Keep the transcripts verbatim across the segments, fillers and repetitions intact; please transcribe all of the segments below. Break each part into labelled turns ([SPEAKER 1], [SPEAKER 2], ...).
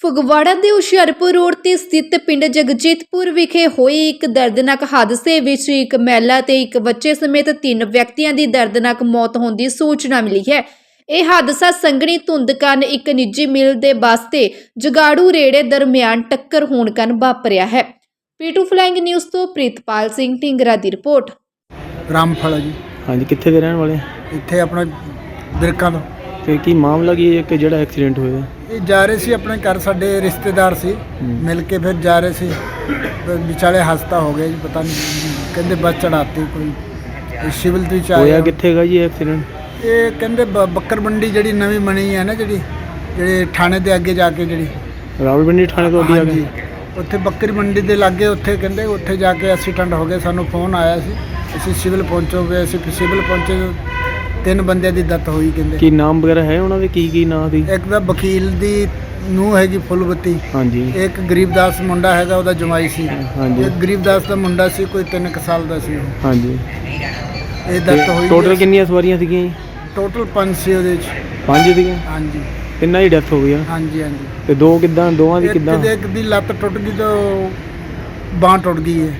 [SPEAKER 1] ਫਗਵਾੜਾ ਦੇ ਹੁਸ਼ਿਆਰਪੁਰ ਰੋਡ ਤੇ ਸਥਿਤ ਪਿੰਡ ਜਗਜੀਤਪੁਰ ਵਿਖੇ ਹੋਏ ਇੱਕ ਦਰਦਨਾਕ ਹਾਦਸੇ ਵਿੱਚ ਇੱਕ ਮਹਿਲਾ ਤੇ ਇੱਕ ਬੱਚੇ ਸਮੇਤ ਤਿੰਨ ਵਿਅਕਤੀਆਂ ਦੀ ਦਰਦਨਾਕ ਮੌਤ ਹੋਣ ਦੀ ਸੂਚਨਾ ਮਿਲੀ ਹੈ। ਇਹ ਹਾਦਸਾ ਸੰਘਣੀ ਧੁੰਦ ਕਾਰਨ ਇੱਕ ਨਿੱਜੀ ਮਿਲ ਦੇ ਬੱਸ ਤੇ ਜਗਾੜੂ ਰੇੜੇ ਦਰਮਿਆਨ ਟੱਕਰ ਹੋਣ ਕਾਰਨ ਵਾਪਰਿਆ ਹੈ। ਪੀਟੂ ਫਲਾਈਂਗ ਨਿਊਜ਼ ਤੋਂ ਪ੍ਰੀਤਪਾਲ ਸਿੰਘ ਢਿੰਗਰਾ ਦੀ ਰਿਪੋर्ट।
[SPEAKER 2] ਰਾਮਫਲ ਜੀ।
[SPEAKER 3] ਹਾਂਜੀ, ਕਿੱਥੇ ਦੇ ਰਹਿਣ ਵਾਲੇ?
[SPEAKER 2] ਇੱਥੇ ਆਪਣਾ ਬਿਰਕਾਂ ਤੋਂ।
[SPEAKER 3] ਤੇ ਕੀ ਮਾਮਲਾ ਕੀ ਹੈ ਕਿ ਜਿਹੜਾ ਐਕਸੀਡੈਂਟ ਹੋਇਆ?
[SPEAKER 2] ਇਹ ਜਾ ਰਹੇ ਸੀ ਆਪਣੇ ਘਰ, ਸਾਡੇ ਰਿਸ਼ਤੇਦਾਰ ਸੀ, ਮਿਲ ਕੇ ਫਿਰ ਜਾ ਰਹੇ ਸੀ, ਵਿਚਾਲੇ ਹਸਤਾ ਹੋ ਗਿਆ ਜੀ, ਪਤਾ ਨਹੀਂ ਕਹਿੰਦੇ ਬੱਸ ਚੜਾਤੀ ਕੋਈ ਸਿਵਲ ਤੋਂ ਚਾਹ
[SPEAKER 3] ਹੋਇਆ ਕਿੱਥੇਗਾ ਜੀ ਐਕਸੀਡੈਂਟ?
[SPEAKER 2] ਇਹ ਕਹਿੰਦੇ ਬ- ਬੱਕਰ ਮੰਡੀ ਜਿਹੜੀ ਨਵੀਂ ਬਣੀ ਹੈ ਨਾ, ਜਿਹੜੀ ਜਿਹੜੇ ਥਾਣੇ ਦੇ ਅੱਗੇ ਜਾ ਕੇ, ਜਿਹੜੀ
[SPEAKER 3] ਰਾਵਲਪਿੰਡੀ ਥਾਣੇ ਤੋਂ ਅੱਗੇ ਆ
[SPEAKER 2] ਹਾਂਜੀ,
[SPEAKER 3] ਗਏ?
[SPEAKER 2] ਉੱਥੇ ਬੱਕਰੀ ਮੰਡੀ ਦੇ ਲਾਗੇ, ਉੱਥੇ ਕਹਿੰਦੇ ਉੱਥੇ ਜਾ ਕੇ ਐਕਸੀਡੈਂਟ ਹੋ ਗਿਆ। ਸਾਨੂੰ ਫੋਨ ਆਇਆ ਸੀ, ਅਸੀਂ ਸਿਵਲ ਪਹੁੰਚੋਗੇ। ਅਸੀਂ ਸਿਵਲ ਪਹੁੰਚੇ, ਤਿੰਨ ਬੰਦਿਆਂ ਦੀ ਡੈਥ ਹੋਈ। ਕਹਿੰਦੇ
[SPEAKER 3] ਕੀ ਨਾਮ ਵਗੈਰਾ ਹੈ ਉਹਨਾਂ ਦੇ? ਕੀ ਕੀ ਨਾਂ ਦੀ?
[SPEAKER 2] ਇੱਕ ਤਾਂ ਵਕੀਲ ਦੀ ਨੂੰਹ ਹੈਗੀ ਫੁੱਲਬੱਤੀ,
[SPEAKER 3] ਹਾਂਜੀ
[SPEAKER 2] ਇੱਕ ਗਰੀਬਦਾਸ ਮੁੰਡਾ ਹੈਗਾ, ਉਹਦਾ ਜਮਾਈ ਸੀ।
[SPEAKER 3] ਹਾਂਜੀ
[SPEAKER 2] ਇੱਕ ਗਰੀਬਦਾਸ ਦਾ ਮੁੰਡਾ ਸੀ, ਕੋਈ ਤਿੰਨ ਕੁ ਸਾਲ ਦਾ ਸੀ।
[SPEAKER 3] ਹਾਂਜੀ।
[SPEAKER 2] ਇਹ ਡੈਥ ਹੋਈ।
[SPEAKER 3] ਟੋਟਲ ਕਿੰਨੀਆਂ ਸਵਾਰੀਆਂ ਸੀਗੀਆਂ ਜੀ?
[SPEAKER 2] ਟੋਟਲ ਪੰਜ ਸੀ ਉਹਦੇ ਚ।
[SPEAKER 3] ਪੰਜ ਸੀਗੀਆਂ?
[SPEAKER 2] ਹਾਂਜੀ
[SPEAKER 3] ਤਿੰਨਾਂ ਦੀ ਡੈਥ ਹੋ ਗਈ ਆ?
[SPEAKER 2] ਹਾਂਜੀ ਹਾਂਜੀ।
[SPEAKER 3] ਤੇ ਦੋ ਕਿੱਦਾਂ? ਦੋਵਾਂ ਦੀ
[SPEAKER 2] ਇੱਕ
[SPEAKER 3] ਕਿੱਦਾਂ?
[SPEAKER 2] ਦੇ ਇੱਕ ਦੀ ਲੱਤ ਟੁੱਟ ਗਈ ਤਾਂ ਬਾਂਹ ਟੁੱਟ ਗਈ ਹੈ।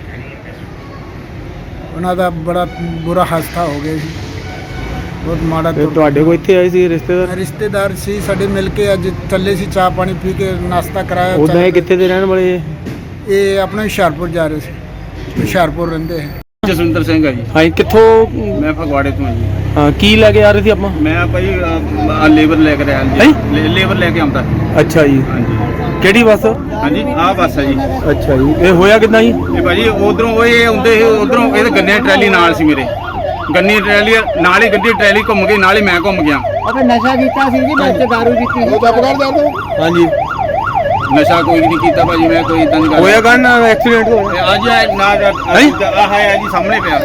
[SPEAKER 2] ਉਹਨਾਂ ਦਾ ਬੜਾ ਬੁਰਾ ਹਾਦਸਾ ਹੋ ਗਿਆ ਸੀ, ਬਹੁਤ ਮਾੜਾ।
[SPEAKER 3] ਤੇ ਤੁਹਾਡੇ ਕੋਲ ਇੱਥੇ ਆਏ ਸੀ ਰਿਸ਼ਤੇਦਾਰ?
[SPEAKER 2] ਰਿਸ਼ਤੇਦਾਰ ਸੀ ਸਾਡੇ, ਮਿਲ ਕੇ ਅੱਜ ਚੱਲੇ ਸੀ, ਚਾਹ ਪਾਣੀ ਪੀ ਕੇ ਨਾਸ਼ਤਾ ਕਰਾਇਆ।
[SPEAKER 3] ਉਦਾਂ ਇਹ ਕਿੱਥੇ ਦੇ ਰਹਿਣ ਵਾਲੇ?
[SPEAKER 2] ਇਹ ਆਪਣੇ ਹੁਸ਼ਿਆਰਪੁਰ ਜਾ ਰਹੇ ਸੀ, ਹੁਸ਼ਿਆਰਪੁਰ ਰਹਿੰਦੇ ਹੈ।
[SPEAKER 4] ਜਸਵਿੰਦਰ ਸਿੰਘ ਹੈ ਜੀ।
[SPEAKER 3] ਹਾਂਜੀ, ਕਿੱਥੋਂ?
[SPEAKER 4] ਮੈਂ ਫਗਵਾੜੇ ਤੋਂ ਹਾਂ ਜੀ।
[SPEAKER 3] ਹਾਂ, ਕੀ ਲੈ ਕੇ ਆ ਰਹੇ ਸੀ ਆਪਾਂ?
[SPEAKER 4] ਮੈਂ ਭਾਈ ਅਹ, ਲੇਬਰ ਲੈ ਕੇ ਆਇਆ ਜੀ। ਲੇ- ਲੇਬਰ ਲੈ ਕੇ ਆਉਂਦਾ।
[SPEAKER 3] ਅੱਛਾ ਜੀ।
[SPEAKER 4] ਹਾਂਜੀ
[SPEAKER 3] ਕਿਹੜੀ ਬੱਸ?
[SPEAKER 4] ਹਾਂਜੀ, ਆਹ ਬੱਸ ਹੈ ਜੀ।
[SPEAKER 3] ਅੱਛਾ ਜੀ। ਇਹ ਹੋਇਆ ਕਿੱਦਾਂ ਜੀ?
[SPEAKER 4] ਇਹ ਭਾਜੀ ਉਧਰੋਂ ਉਹ ਇਹ ਆਉਂਦੇ ਸੀ, ਉਧਰੋਂ ਇਹਦੇ ਗੰਨੇ ਦੀ ਟਰੈਲੀ ਨਾਲ ਸੀ, ਮੇਰੇ ਗੰਨੀ ਟਰੈਲੀ ਨਾਲ ਹੀ, ਗੱਡੀ ਟਰੈਲੀ ਘੁੰਮ ਗਈ, ਨਾਲ ਹੀ ਮੈਂ ਘੁੰਮ ਗਿਆ।
[SPEAKER 2] ਆਪਾਂ ਨਸ਼ਾ ਕੀਤਾ ਸੀ ਜੀ, ਵਿੱਚ ਦਾਰੂ ਪੀਤੀ ਸੀ। ਉਹ ਚੱਪ ਕਰ ਜਾ।
[SPEAKER 3] ਹਾਂਜੀ।
[SPEAKER 4] ਨਸ਼ਾ ਕੋਈ ਨਹੀਂ ਕੀਤਾ ਭਾਜੀ, ਮੈਂ ਕੋਈ ਇਦਾਂ ਦੀ ਗੱਲ
[SPEAKER 3] ਹੋਇਆ ਕਾਹਨ ਐਕਸੀਡੈਂਟ ਹੋਇਆ?
[SPEAKER 4] ਅੱਜ ਆ ਨਾ ਆਹ ਹੈ ਜੀ ਸਾਹਮਣੇ ਪਿਆ।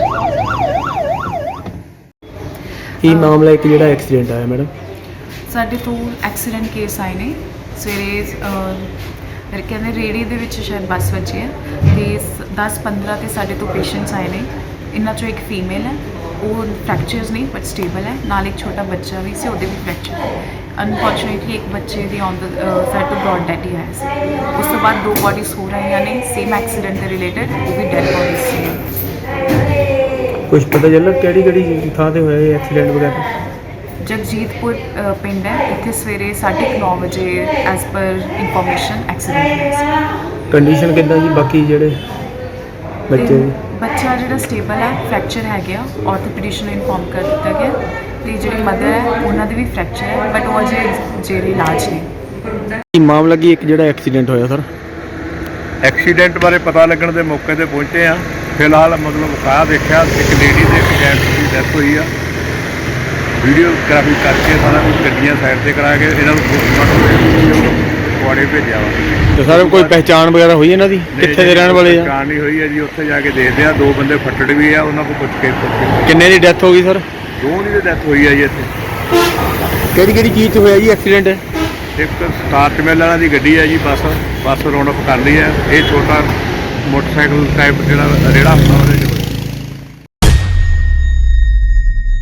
[SPEAKER 3] ਕੀ ਮਾਮਲਾ ਇੱਕ ਜਿਹੜਾ ਐਕਸੀਡੈਂਟ ਆਇਆ ਮੈਡਮ?
[SPEAKER 5] ਸਾਡੇ ਤੋਂ ਐਕਸੀਡੈਂਟ ਕੇਸ ਆਏ ਨੇ ਸਵੇਰੇ। ਮੇਰੇ ਕਹਿੰਦੇ ਰੇੜੀ ਦੇ ਵਿੱਚ ਸ਼ਾਇਦ ਬੱਸ ਵੱਜੀ ਹੈ ਤੇ ਦਸ ਪੰਦਰਾਂ ਤੇ ਸਾਡੇ ਤੋਂ ਪੇਸ਼ੈਂਟਸ ਆਏ ਨੇ। ਇਹਨਾਂ ਚੋਂ ਇੱਕ ਫੀਮੇਲ ਹੈ, ਉਹ ਫ੍ਰੈਕਚਰਸ ਨਹੀਂ ਬਟ ਸਟੇਬਲ ਹੈ, ਨਾਲ ਇੱਕ ਛੋਟਾ ਬੱਚਾ ਵੀ ਸੀ, ਉਹਦੇ ਵੀ ਫ੍ਰੈਕਚਰ ਹੈ। ਅਨਫੋਰਚੂਨੇਟਲੀ ਇੱਕ ਬੱਚੇ ਦੀ ਔਨ ਦ ਸਾਈਡ ਤੋਂ ਬ੍ਰੌਡ ਡੈਥ ਹੀ ਆਇਆ ਸੀ। ਉਸ ਤੋਂ ਬਾਅਦ ਦੋ ਬੋਡੀਜ਼ ਹੋ ਰਹੀਆਂ ਨੇ ਸੇਮ ਐਕਸੀਡੈਂਟ ਦੇ ਰਿਲੇਟਡ, ਉਹ ਵੀ ਡੈਥ ਬੋਡੀਜ਼ ਸੀ।
[SPEAKER 3] ਕੁਝ ਪਤਾ ਚੱਲਾ ਕਿਹੜੀ ਕਿਹੜੀ ਥਾਂ ਤੇ ਹੋਇਆ ਇਹ ਐਕਸੀਡੈਂਟ ਵਗੈਰਾ?
[SPEAKER 5] ਜਗਜੀਤਪੁਰ ਅ, ਪਿੰਡ ਹੈ, ਇੱਥੇ ਸਵੇਰੇ ਸਾਢੇ ਕੁ ਨੌ ਵਜੇ ਐਜ਼ ਪਰ ਇਨਫੋਰਮੇਸ਼ਨ ਐਕਸੀਡੈਂਟ ਹੋਇਆ ਸੀ।
[SPEAKER 3] ਕੰਡੀਸ਼ਨ ਕਿੱਦਾਂ ਜੀ ਬਾਕੀ ਜਿਹੜੇ ਬੱਚੇ
[SPEAKER 5] ਤੇ
[SPEAKER 3] ਦੀ?
[SPEAKER 5] ਬੱਚਾ ਜਿਹੜਾ ਸਟੇਬਲ ਹੈ, ਫ੍ਰੈਕਚਰ ਹੈ ਗਿਆ, ਆਰਥੋਪੈਡਿਸ਼ਨ ਨੂੰ ਇਨਫੋਰਮ ਕਰ ਦਿੱਤਾ ਗਿਆ। ਤੇ ਜਿਹੜੀ ਮਦਰ ਹੈ ਉਹਨਾਂ ਦੇ ਵੀ ਫ੍ਰੈਕਚਰ ਹੈ, ਬਟ ਉਹ ਅਜੇ ਜਿਹੜੇ ਇਲਾਜ ਨੇ।
[SPEAKER 3] ਕੀ ਮਾਮਲਾ ਕੀ ਇੱਕ ਜਿਹੜਾ ਐਕਸੀਡੈਂਟ ਹੋਇਆ ਸਰ?
[SPEAKER 6] ਐਕਸੀਡੈਂਟ ਬਾਰੇ ਪਤਾ ਲੱਗਣ ਦੇ ਮੌਕੇ ਤੇ ਪਹੁੰਚੇ ਆ। ਫਿਲਹਾਲ ਮਤਲਬ ਕਾਹ ਦੇਖਿਆ, ਇੱਕ ਲੇਡੀ ਦੇ ਇੱਕ ਜੈਂਟਸ ਦੀ ਡੈਥ ਹੋਈ ਆ। ਵੀਡੀਓਗ੍ਰਾਫੀ ਕਰਕੇ ਸਾਰਾ ਕੁਝ ਗੱਡੀਆਂ ਸਾਈਡ ਤੇ ਕਰਾ ਕੇ ਇਹਨਾਂ ਨੂੰ ਫਗਵਾੜੇ ਭੇਜਿਆ ਵਾ।
[SPEAKER 3] ਤੇ ਸਰ ਕੋਈ ਪਹਿਚਾਣ ਵਗੈਰਾ ਹੋਈ ਇਹਨਾਂ ਦੀ? ਕਿੱਥੇ ਦੇ ਰਹਿਣ ਵਾਲੇ ਆ?
[SPEAKER 6] ਪਹਿਚਾਣ ਨਹੀਂ ਹੋਈ ਹੈ ਜੀ, ਉੱਥੇ ਜਾ ਕੇ ਦੇਖਦੇ ਆ। ਦੋ ਬੰਦੇ ਫੱਟੜ ਵੀ ਆ, ਉਹਨਾਂ ਕੋਲ ਪੁੱਛ ਕੇ ਪੁੱਛ ਕੇ
[SPEAKER 3] ਕਿੰਨੇ ਦੀ ਡੈਥ ਹੋ ਗਈ ਸਰ?
[SPEAKER 6] ਦੋ ਦੀ ਡੈਥ ਹੋਈ ਆ ਜੀ ਇੱਥੇ।
[SPEAKER 3] ਕਿਹੜੀ ਕਿਹੜੀ ਚੀਜ਼ 'ਚ ਹੋਇਆ ਜੀ ਐਕਸੀਡੈਂਟ?
[SPEAKER 6] ਇੱਕ ਸਟਾਰਟ ਮਿਲ ਵਾਲਾ ਦੀ ਗੱਡੀ ਹੈ ਜੀ, ਬੱਸ ਬੱਸ ਰੌਂਡ ਅਪ ਕਰ ਲਈ ਹੈ। ਇਹ ਛੋਟਾ ਮੋਟਰਸਾਈਕਲ ਟਾਈਪ ਜਿਹੜਾ ਰੇੜਾ ਹੁੰਦਾ ਉਹਦੇ